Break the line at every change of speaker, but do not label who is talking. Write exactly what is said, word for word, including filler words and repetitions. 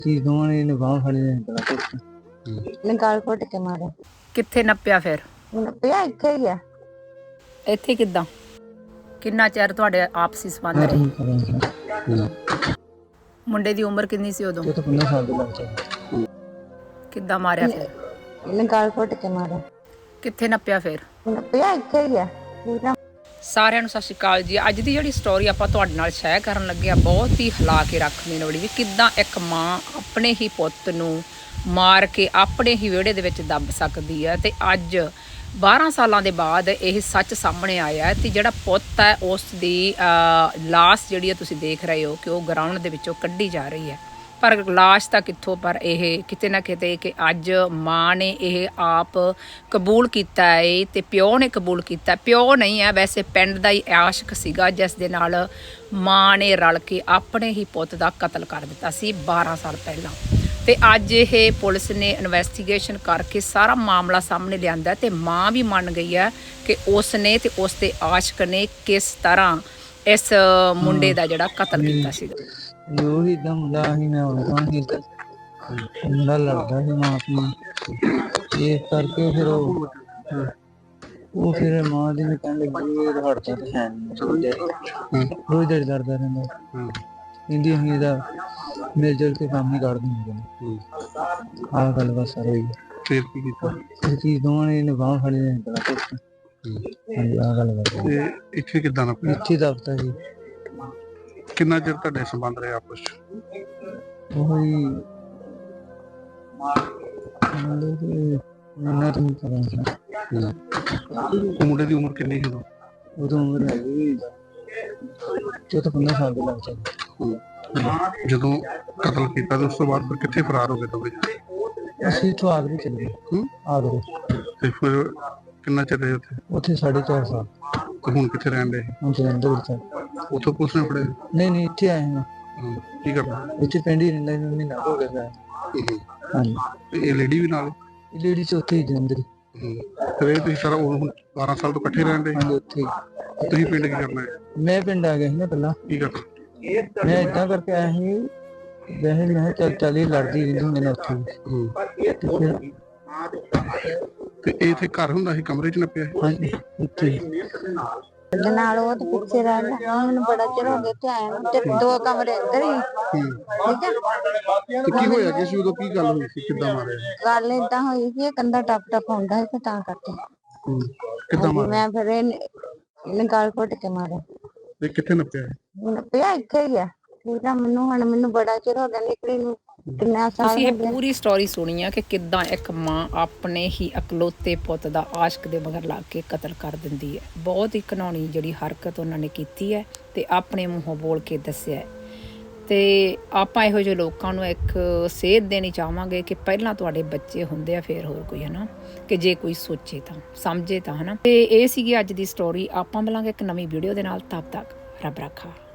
ਚੀਜ਼ ਦੋਵਾਂ ਨੇ ਇਹਨੇ ਬਾਂਹ ਫੜੀ ਨੇ ਬੜਾ ਕੁੱਟ
ਨੇ ਗਾਲ ਘੁੱਟ ਕੇ ਮਾਰਿਆ।
ਕਿੱਥੇ ਨੱਪਿਆ ਫਿਰ?
ਨੱਪਿਆ ਇੱਥੇ ਹੀ ਆ।
ਇੱਥੇ ਕਿੱਦਾਂ? ਕਿੰਨਾ ਚਿਰ ਤੁਹਾਡੇ ਆਪਸੀ ਸੰਬੰਧ
ਮੈਂ
ਰਹੇ?
ਠੀਕ ਕਰਾਂ
ਮੁੰਡੇ ਦੀ ਉਮਰ ਕਿੰਨੀ ਸੀ ਉਦੋਂ?
ਇਹ ਤਾਂ ਪੰਦਰਾਂ ਸਾਲ ਦੇ ਲੱਗ ਜਾਂਦੇ।
ਕਿੱਦਾਂ ਮਾਰਿਆ ਫਿਰ?
ਨੇ ਗਾਲ ਘੁੱਟ ਕੇ ਮਾਰਿਆ।
ਕਿੱਥੇ ਨੱਪਿਆ ਫਿਰ?
ਨੱਪਿਆ ਇੱਥੇ ਹੀ ਆ ਪੂਰਾ।
ਸਾਰਿਆਂ ਨੂੰ ਸਤਿ ਸ਼੍ਰੀ ਅਕਾਲ ਜੀ। ਅੱਜ ਦੀ ਜਿਹੜੀ ਸਟੋਰੀ ਆਪਾਂ ਤੁਹਾਡੇ ਨਾਲ ਸ਼ੇਅਰ ਕਰਨ ਲੱਗੇ ਆ ਬਹੁਤ ਹੀ ਹਿਲਾ ਕੇ ਰੱਖ ਦੇਣ ਵਾਲੀ, ਵੀ ਕਿੱਦਾਂ ਇੱਕ ਮਾਂ ਆਪਣੇ ਹੀ ਪੁੱਤ ਨੂੰ ਮਾਰ ਕੇ ਆਪਣੇ ਹੀ ਵਿਹੜੇ ਦੇ ਵਿੱਚ ਦੱਬ ਸਕਦੀ ਹੈ। ਤੇ ਅੱਜ ਬਾਰਾਂ ਸਾਲਾਂ ਦੇ ਬਾਅਦ ਇਹ ਸੱਚ ਸਾਹਮਣੇ ਆਇਆ ਹੈ। ਤੇ ਜਿਹੜਾ ਪੁੱਤ ਹੈ ਉਸ ਦੀ ਲਾਸ਼ ਜਿਹੜੀ ਹੈ ਤੁਸੀਂ ਦੇਖ ਰਹੇ ਹੋ ਕਿ ਉਹ ਗਰਾਊਂਡ ਦੇ ਵਿੱਚੋਂ ਕੱਢੀ ਜਾ ਰਹੀ ਹੈ, ਪਰ ਲਾਸ਼ ਤਾਂ ਕਿੱਥੋਂ, ਪਰ ਇਹ ਕਿਤੇ ਨਾ ਕਿਤੇ ਕਿ ਅੱਜ ਮਾਂ ਨੇ ਇਹ ਆਪ ਕਬੂਲ ਕੀਤਾ ਹੈ ਤੇ ਪਿਓ ਨੇ ਕਬੂਲ ਕੀਤਾ। ਪਿਓ ਨਹੀਂ ਹੈ ਵੈਸੇ, ਪਿੰਡ ਦਾ ਹੀ ਆਸ਼ਕ ਸੀਗਾ ਜਿਸ ਦੇ ਨਾਲ ਮਾਂ ਨੇ ਰਲ ਕੇ ਆਪਣੇ ਹੀ ਪੁੱਤ ਦਾ ਕਤਲ ਕਰ ਦਿੱਤਾ ਸੀ ਬਾਰਾਂ ਸਾਲ ਪਹਿਲਾਂ। ਤੇ ਅੱਜ ਇਹ ਪੁਲਿਸ ਨੇ ਇਨਵੈਸਟੀਗੇਸ਼ਨ ਕਰਕੇ ਸਾਰਾ ਮਾਮਲਾ ਸਾਹਮਣੇ ਲਿਆਂਦਾ ਤੇ ਮਾਂ ਵੀ ਮੰਨ ਗਈ ਹੈ ਕਿ ਉਸ ਨੇ ਤੇ ਉਸ ਦੇ ਆਸ਼ਕ ਨੇ ਕਿਸ ਤਰ੍ਹਾਂ ਇਸ ਮੁੰਡੇ ਦਾ ਜਿਹੜਾ ਕਤਲ ਕੀਤਾ ਸੀਗਾ।
ਜੋ ਹੀ ਦਮ ਮੁੰਡਾ ਹੀ ਮੈਂ ਉਹਨਾਂ ਹੀ ਮੁੰਡਾ ਲੜਦਾ ਸੀ ਮਾਂ ਆਪਣੀ, ਇਸ ਕਰਕੇ ਫਿਰ ਉਹ ਉਹ ਫਿਰ ਮਾਂ ਦੀ ਨੇ ਕਹਿਣ ਲੱਗੀ ਇਹ ਹੜਦਾ ਤੇ ਹੈ ਨਹੀਂ, ਰੋਜ਼ ਦਿਹਾੜੀ ਲੜਦਾ ਰਹਿੰਦਾ। ਕਹਿੰਦੀ ਅਸੀਂ ਇਹਦਾ ਮਿਲ ਜੁਲ ਕੇ ਕੰਮ ਹੀ ਕਰ ਦਿੰਦੇ ਨੇ। ਆਹ ਗੱਲ ਬਸ ਸਾਰੀ ਹੋਈ।
ਫਿਰ ਕੀ ਕੀਤਾ?
ਇਹ ਚੀਜ਼ ਦੋਵਾਂ ਨੇ ਇਹਨੇ ਬਾਂਹ ਫੜੀ ਨੇ ਬੜਾ ਕੁੱਟ। ਹਾਂਜੀ ਆਹ ਗੱਲ ਬਸ।
ਤੇ ਇੱਥੇ ਕਿੱਦਾਂ ਨਾ ਪਿਆ?
ਇੱਥੇ ਦਫਤਰ ਜੀ।
ਕਿੰਨਾ ਚਿਰ ਤੁਹਾਡੇ ਸੰਬੰਧ ਰਹੇ ਆਪਸ ਚ?
ਉਹੀ ਮਤਲਬ ਕਿ ਮੰਨਾ ਤਾਂ ਨਹੀਂ ਕਰਾਂ।
ਉਹ ਮੁੰਡੇ ਦੀ ਉਮਰ ਕਿੰਨੀ ਸੀ ਉਦੋਂ?
ਉਦੋਂ ਉਮਰ ਹੈਗੀ ਚੌਦਾਂ ਪੰਦਰਾਂ ਸਾਲ ਦੇ ਲੱਗ ਜਾਂਦੇ।
ਜਦੋਂ ਕਤਲ ਕੀਤਾ ਤੇ ਉਸ ਤੋਂ ਬਾਅਦ ਫਿਰ ਕਿੱਥੇ ਫਰਾਰ ਹੋ ਗਏ ਦੋਵੇਂ?
ਅਸੀਂ ਇੱਥੋਂ ਆਗਰੇ ਚਲੇ ਗਏ।
ਹੂੰ?
ਆਗਰੇ
ਤੇ ਫਿਰ ਕਿੰਨਾ ਚਿਰ ਰਹੇ ਉੱਥੇ?
ਉੱਥੇ ਸਾਢੇ ਚਾਰ ਸਾਲ।
ਤੇ ਹੁਣ ਕਿੱਥੇ ਰਹਿਣ ਦੇ?
ਹੁਣ ਜਲੰਧਰ ਵਿੱਚ।
ਉੱਥੋਂ ਪੁਲਿਸ ਨੇ ਫੜੇ?
ਨਹੀਂ ਨਹੀਂ ਇੱਥੇ ਆਏ ਹਾਂ।
ਹੂੰ। ਕੀ ਕਰਨਾ?
ਇੱਥੇ ਪਿੰਡ ਹੀ ਰਹਿੰਦਾ ਮੈਨੂੰ ਮਹੀਨਾ ਹੋ ਗਿਆ। ਹਾਂਜੀ।
ਤੇ ਇਹ ਲੇਡੀ ਵੀ ਨਾਲ?
ਇਹ ਲੇਡੀ ਚ ਉੱਥੇ ਹੀ ਜਲੰਧਰ ਹੀ।
ਹੂੰ। ਫਿਰ ਇਹ ਤੁਸੀਂ ਸਾਰਾ ਉਹ ਹੁਣ ਬਾਰਾਂ ਸਾਲ ਤੋਂ ਇਕੱਠੇ ਰਹਿਣ ਦੇ?
ਹਾਂਜੀ ਉੱਥੇ ਹੀ।
ਤੁਸੀਂ ਪਿੰਡ ਕੀ ਕਰਨਾ ਹੈ?
ਮੈਂ ਪਿੰਡ ਆ ਗਿਆ ਸੀ ਨਾ ਪਹਿਲਾਂ।
ਕੀ ਕਰਨਾ?
ਮੈਂ ਏਦਾਂ ਕਰਕੇ ਆਇਆ ਸੀ ਵੈਸੇ ਮੈਂ ਕਿਹਾ ਚੱਲ ਚੱਲ ਹੀ ਲੜਦੀ ਰਹਿੰਦੀ ਹੁੰਦੀ ਨੇ ਉੱਥੇ।
ਹੂੰ।
ਤੇ ਫਿਰ
ਤੇ ਇਹ ਇੱਥੇ ਘਰ ਹੁੰਦਾ ਸੀ, ਕਮਰੇ ਚ ਨੱਪਿਆ ਸੀ?
ਹਾਂਜੀ ਇੱਥੇ ਹੀ।
ਉਹਦੇ ਨਾਲ ਉਹ ਤੇ ਪਿੱਛੇ ਰਹਿ ਗਿਆ। ਮੈਨੂੰ ਬੜਾ ਚਿਰ ਹੋ ਗਿਆ ਤੇ ਆਇਆ ਨੂੰ, ਤੇ ਦੋ ਕਮਰੇ ਅੰਦਰ ਹੀ। ਠੀਕ ਹੈ।
ਤੇ ਕੀ ਹੋਇਆ ਕਿ ਸੀ ਉਦੋਂ? ਕੀ ਗੱਲ ਹੋਈ ਸੀ? ਕਿੱਦਾਂ ਮਾਰਿਆ?
ਗੱਲ ਏਦਾਂ ਹੋਈ ਸੀ, ਇਹ ਕੰਧਾ ਟੱਪ ਟੱਪ ਹੁੰਦਾ ਸੀ ਤੇ ਤਾਂ ਕਰਕੇ
ਹੂੰ। ਕਿੱਦਾਂ ਮਾਰਿਆ?
ਮੈਂ ਫਿਰ ਇਹਨੇ ਇਹਨੇ ਗਾਲ ਘੁੱਟ ਕੇ ਮਾਰਿਆ।
ਤੇ ਕਿੱਥੇ ਨੱਪਿਆ?
ਨੱਪਿਆ ਇੱਥੇ ਹੀ ਆ ਪੂਰਾ। ਮੈਨੂੰ ਹੁਣ ਮੈਨੂੰ ਬੜਾ ਚਿਰ ਹੋ ਗਿਆ ਨਿਕਲੀ ਨੂੰ, ਕਿੰਨਾ ਸਾਲ
ਤੁਸੀਂ
ਹੋ
ਇਹ
ਗਿਆ।
ਪੂਰੀ ਸਟੋਰੀ ਸੁਣੀ ਆ ਕਿ ਕਿੱਦਾਂ ਇੱਕ ਮਾਂ ਆਪਣੇ ਹੀ ਇਕਲੌਤੇ ਪੁੱਤ ਦਾ ਆਸ਼ਕ ਦੇ ਮਗਰ ਲੱਗ ਕੇ ਕਤਲ ਕਰ ਦਿੰਦੀ ਹੈ। ਬਹੁਤ ਹੀ ਘਿਨਾਉਣੀ ਜਿਹੜੀ ਹਰਕਤ ਉਹਨਾਂ ਨੇ ਕੀਤੀ ਹੈ ਤੇ ਆਪਣੇ ਮੂੰਹੋਂ ਬੋਲ ਕੇ ਦੱਸਿਆ ਹੈ। ਤੇ ਆਪਾਂ ਇਹੋ ਜਿਹੇ ਲੋਕਾਂ ਨੂੰ ਇੱਕ ਸੇਧ ਦੇਣੀ ਚਾਹਾਂਗੇ ਕਿ ਪਹਿਲਾਂ ਤੁਹਾਡੇ ਬੱਚੇ ਹੁੰਦੇ ਆ ਫਿਰ ਹੋਰ ਕੋਈ, ਹੈ ਨਾ, ਕਿ ਜੇ ਕੋਈ ਸੋਚੇ ਤਾਂ ਸਮਝੇ ਤਾਂ, ਹੈ ਨਾ। ਤੇ ਇਹ ਸੀਗੀ ਅੱਜ ਦੀ ਸਟੋਰੀ। ਆਪਾਂ ਮਿਲਾਂਗੇ ਇੱਕ ਨਵੀਂ ਵੀਡੀਓ ਦੇ ਨਾਲ। ਤਦ ਤੱਕ ਰੱਬ ਰਾਖਾ।